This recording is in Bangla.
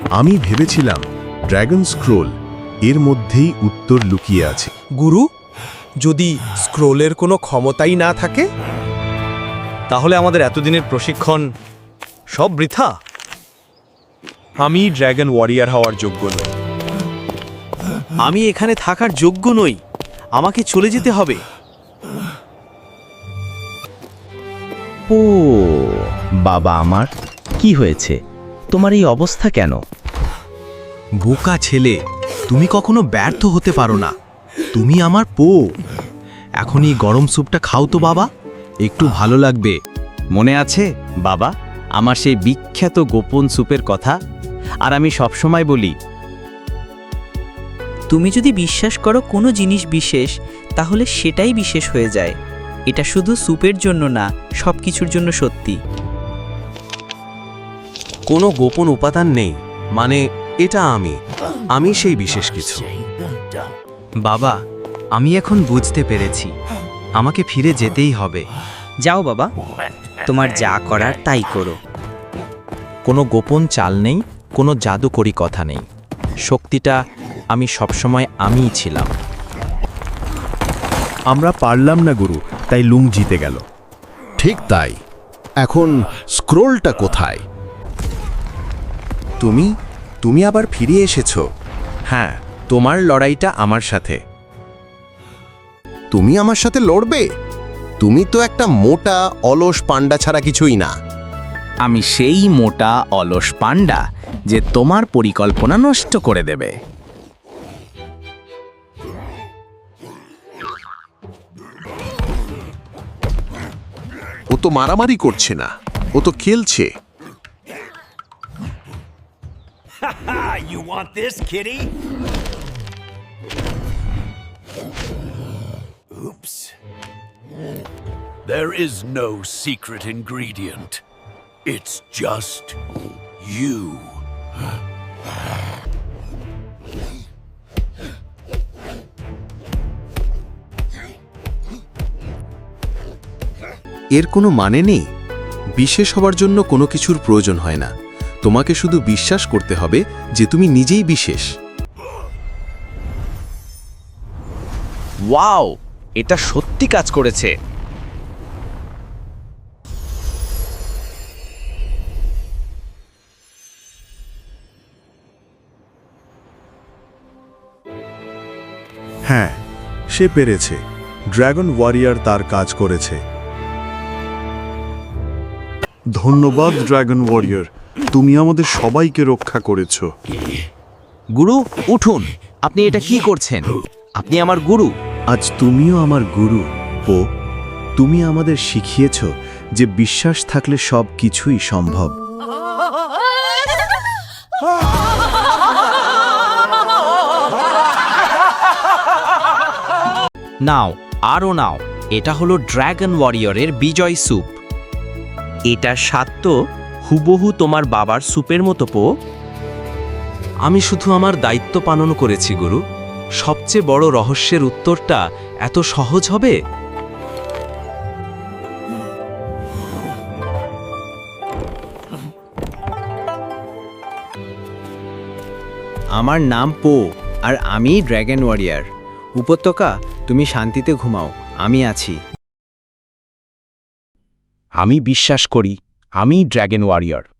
আমি ভেবেছিলাম ড্র্যাগন স্ক্রোল এর মধ্যেই উত্তর লুকিয়ে আছে। গুরু, যদি স্ক্রোলের কোনো ক্ষমতাই না থাকে, তাহলে আমাদের এতদিনের প্রশিক্ষণ সব বৃথা। আমি ড্র্যাগন ওয়ারিয়ার হওয়ার যোগ্য নই। আমি এখানে থাকার যোগ্য নই, আমাকে চলে যেতে হবে। ও বাবা আমার, কি হয়েছে? তোমার এই অবস্থা কেন? বোকা ছেলে, তুমি কখনো ব্যর্থ হতে পারো না। তুমি আমার এখন এই গরম স্যুপটা খাও তো বাবা, একটু ভালো লাগবে। মনে আছে বাবা আমার সেই বিখ্যাত গোপন স্যুপের কথা? আর আমি সবসময় বলি, তুমি যদি বিশ্বাস করো কোনো জিনিস বিশেষ, তাহলে সেটাই বিশেষ হয়ে যায়। এটা শুধু স্যুপের জন্য না, সব কিছুর জন্য সত্যি। কোনো গোপন উপাদান নেই, মানে এটা আমি সেই বিশেষ কিছু। বাবা, আমি এখন বুঝতে পেরেছি, আমাকে ফিরে যেতেই হবে। যাও বাবা, তোমার যা করার তাই করো। কোনো গোপন চাল নেই, কোনো জাদুকরি কথা নেই। শক্তিটা আমি সবসময় আমিই ছিলাম। আমরা পারলাম না গুরু, তাই লুং জিতে গেল। ঠিক তাই। এখন স্ক্রোলটা কোথায়? তুমি আবার ফিরে এসেছো। হ্যাঁ, তোমার লড়াইটা আমার সাথে। তুমি আমার সাথে লড়বে? তুমি তো একটা মোটা অলস পান্ডা ছাড়া কিছুই না। আমি সেই মোটা অলস পান্ডা যে তোমার পরিকল্পনা নষ্ট করে দেবে। ও তো মারামারি করছে না, ও তো খেলছে। You want this, kitty? Oops. There is no secret ingredient. It's just you. এর কোনো মানে নেই। বিশেষ হবার জন্য কোনো কিছুর প্রয়োজন হয় না। তোমাকে শুধু বিশ্বাস করতে হবে যে তুমি নিজেই বিশেষ। ওয়াও, এটা সত্যি কাজ করেছে। হ্যাঁ, সে পেরেছে। ড্র্যাগন ওয়ারিয়ার তার কাজ করেছে। ধন্যবাদ ড্র্যাগন ওয়ারিয়ার, তুমি আমাদের সবাইকে রক্ষা করেছ। গুরু উঠুন, আপনি এটা কি করছেন? আপনি আমার গুরু। আজ তুমিও আমার গুরু পো। তুমি আমাদের শিখিয়েছ যে বিশ্বাস থাকলে সব কিছুই সম্ভব। নাও, আরও নাও। এটা হলো ড্র্যাগন ওয়ারিয়রের বিজয় স্যুপ। এটার স্বাদ তো হুবহু তোমার বাবার স্যুপের মতো পো। আমি শুধু আমার দায়িত্ব পালন করেছি গুরু। সবচেয়ে বড় রহস্যের উত্তরটা এত সহজ হবে? আমার নাম পো, আর আমি ড্র্যাগন ওয়ারিয়ার। উপত্যকা, তুমি শান্তিতে ঘুমাও, আমি আছি। আমি বিশ্বাস করি, আমি ড্র্যাগন ওয়ারিয়র।